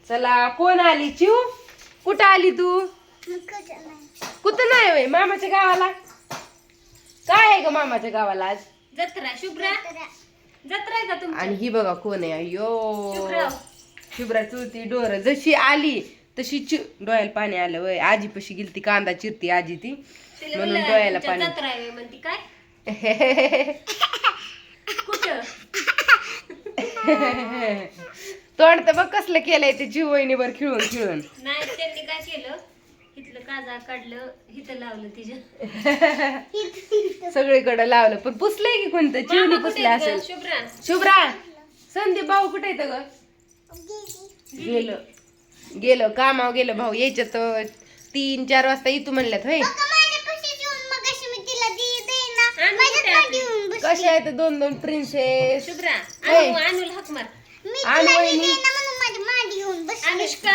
चला कोण आली चिऊ? कुठं आली तू? कुठं नाही होय मामाच्या गावाला? काय आहे ग मामाच्या गावाला आज? जत्रा. शुभ्रा जत्रा आहे का तुमची? आणि ही बघा कोण आहे? अयो शुभ्रा. शुभ्रा चुलती डोर जशी आली तशी डोळ्याला पाणी आलं वय. आजी पशी गेलती कांदा चिरती आजी ती तिला म्हणून म्हणलं डोळ्याला तुमच्या पाणी. जत्रा आहे म्हणती काय कुठं? तोंड तर बघ कसलं केलंय ते जीव वहिनीवर खिळून खिळून. नाही त्यांनी काय केलं, इथलं काजा काढलं, इथं लावलं तिच्या. सगळीकडे लावलं पण पुसलंय की कोणतं चिवणी मामा कुठे पुसलं आहेत असेल. गं? शुभ्रा शुभ्रा संदीप भाऊ कुठे येतं ग? गेलं कामावर गेलं भाऊ. यायच्यात 3-4 वाजता येतो म्हणल्यात होय. कशा आहेत 2-2 प्रिन्सेस? शुभ्रा होय. अनुल हाक मार. आणि वहिनी अनुष्का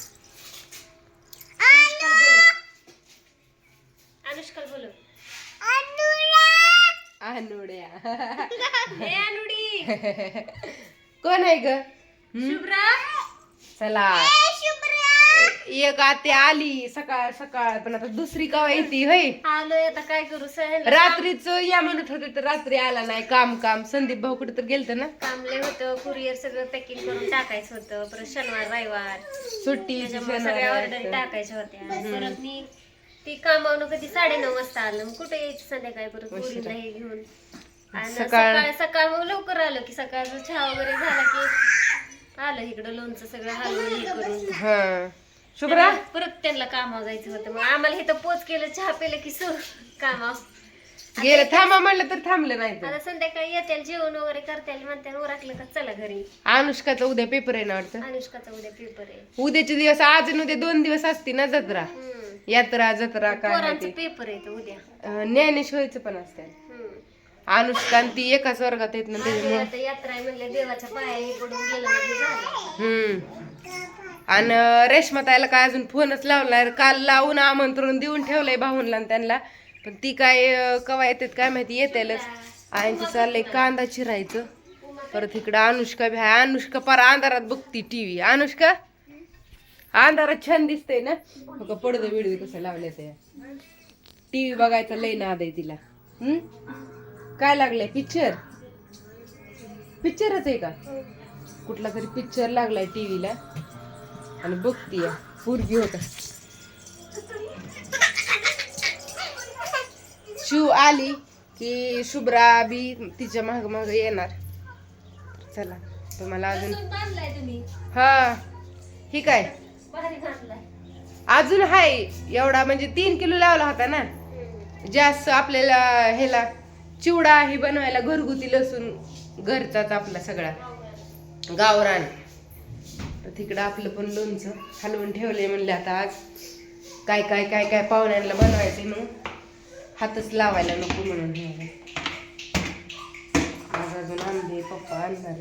अनुष्का बोल. अनुड्या हे अनुडी कोण आहे ग? शुभ्रा चला एक आते आली सकाळ सकाळ पण आता दुसरी कवा येते होय. आलोय आता काय करू सहल. रात्रीच या म्हणत होते तर रात्री आला नाही. काम संदीप भाऊ कुठे तर गेलत ना. कामले होतं, कुरिअर सगळं पॅकिंग करून टाकायचं होतं. परत शनिवार रविवार सुट्टी त्याच्यामुळे सगळ्या ऑर्डर टाकायच्या होत्या. परत मी ती कामावून कधी 9:30 वाजता आलं. मग कुठे यायचं संध्याकाळी परत मुलीला हे घेऊन. आणि सकाळ मग लवकर आलो की सकाळचा चहा वगैरे झाला की आलं इकडं लोणचं सगळं हलवून हे करून. हा शुभ्रा परत त्यांना कामावर जायचं होतं. मग आम्हाला इथं पोच केलं, चहा पिलं की कामावर गेलं. थांबा म्हणलं तर थांबलं नाही तर. आता संध्याकाळी येतील जेवण वगैरे करतील म्हणते ओरखलं का चला घरी. अनुष्काचा उद्या पेपर आहे ना वाटतं. अनुष्काचा उद्या पेपर आहे. उद्याचे दिवस आज आणि उद्या 2 दिवस असते ना जत्रा. यात्रा जत्रा काय आहे पोरांचं ते. पेपर आहे तो उद्या. ज्ञानेश्वरीचं पण असते. अनुष्का आणि ती एकाच वर्गात येत ना त्याच्यामुळे. आता यात्रा आहे म्हणलं देवाच्या पाया पडून गेलं म्हणजे झालं. आणि रेश्मा ताईला काय अजून फोनच लावलाय. काल लावून आमंत्रण देऊन ठेवलंय भाऊनला आणि त्यांना. पण ती काय कवा येतात काय माहिती. येतेलच. आईंचं चाललंय कांदा चिरायचं. परत इकडं अनुष्का बी आहे. अनुष्का पार अंधारात बघती टीव्ही. अनुष्का अंधारात छान दिसतंय ना. पडदं बिडदे कसं लावले ते. टीव्ही बघायचा लय नाद आहे तिला. काय लागलंय? पिक्चरच आहे का? कुठला तरी पिक्चर लागलाय टीव्हीला आणि बघतीय. पोरगी होता शिव आली की शुभ्रा बी तिच्या माग माग येणार. चला तुम्हाला अजून हा ही काय अजून हाय एवढा म्हणजे 3 किलो लावला होता ना. जास्त आपल्याला ह्याला चिवडा ही बनवायला घरगुती लसूण घरचाच आपला सगळा गावरान. तर तिकडं आपलं पण लोणचं हलवून ठेवलंय. म्हणलं आता आज काय काय काय काय पाहुण्यांना बनवायचंय मग हातच लावायला नको म्हणून. आज अजून आणले पप्पा आणणार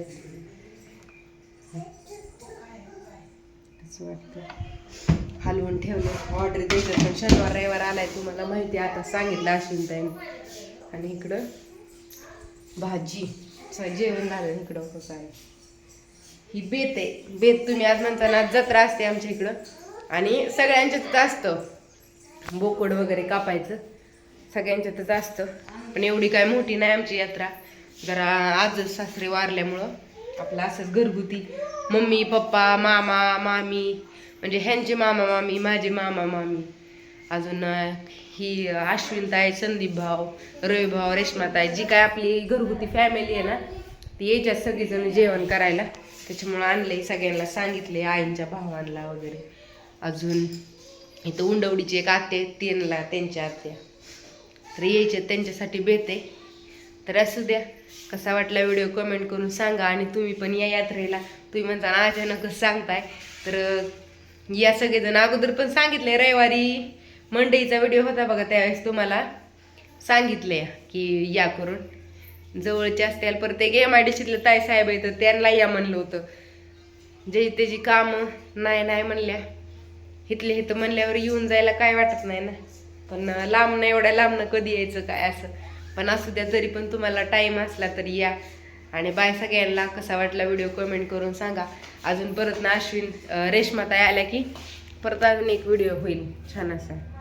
वाटतं. हलवून ठेवलं. ऑर्डर द्यायचं पण शनिवार रविवार आलाय तुम्हाला माहिती. आता सांगितलं अश्विन ताईने. आणि इकडं भाजी जेवण झालं. इकडं काय ही बेत आहे. बेत तुम्ही आज म्हणताना जत्रा असते आमच्या इकडं आणि सगळ्यांच्यातच असतं. बोकड वगैरे कापायचं सगळ्यांच्यातच असतं. पण एवढी काय मोठी नाही आमची यात्रा. जरा आज सासरे वारल्यामुळं आपलं असंच घरगुती. मम्मी पप्पा मामा मामी म्हणजे ह्यांचे मामा मामी माझे मामा मामी अजून ही अश्विनताई संदीप भाऊ रवी भाऊ रेश्माताई जी काय आपली घरगुती फॅमिली आहे ना ती यायच्यात सगळीजण जेवण करायला. त्याच्यामुळं आणलंय सगळ्यांना सांगितले. आईंच्या भावांना वगैरे. अजून इथं उंडवडीची एक आत्या त्यांना त्यांच्या आत्या तर यायचे त्यांच्यासाठी बेत आहे. तर असू द्या. कसा वाटला व्हिडिओ कमेंट करून सांगा. आणि तुम्ही पण या यात्रेला. तुम्ही म्हणता अचानकच सांगताय तर या सगळेजण. अगोदर पण सांगितले रविवारी मंडईचा व्हिडिओ होता बघा त्यावेळेस तुम्हाला सांगितले की या करून जवळचे असतील. परत एक MIDCतलं ताई साहेब आहे तर त्यांना या म्हणलं होतं. जे त्याची कामं नाही म्हणल्या. इथले इथं म्हणल्यावर येऊन जायला काय वाटत नाही ना. पण लांबनं एवढ्या लांबनं कधी यायचं काय असं. पण असू द्या तरी पण तुम्हाला टाईम असला तरी या. आणि बाय सगळ्यांना. कसा वाटला व्हिडिओ कमेंट करून सांगा. अजून परत ना रेश्माताई आल्या की परत अजून एक व्हिडिओ होईल छान असा.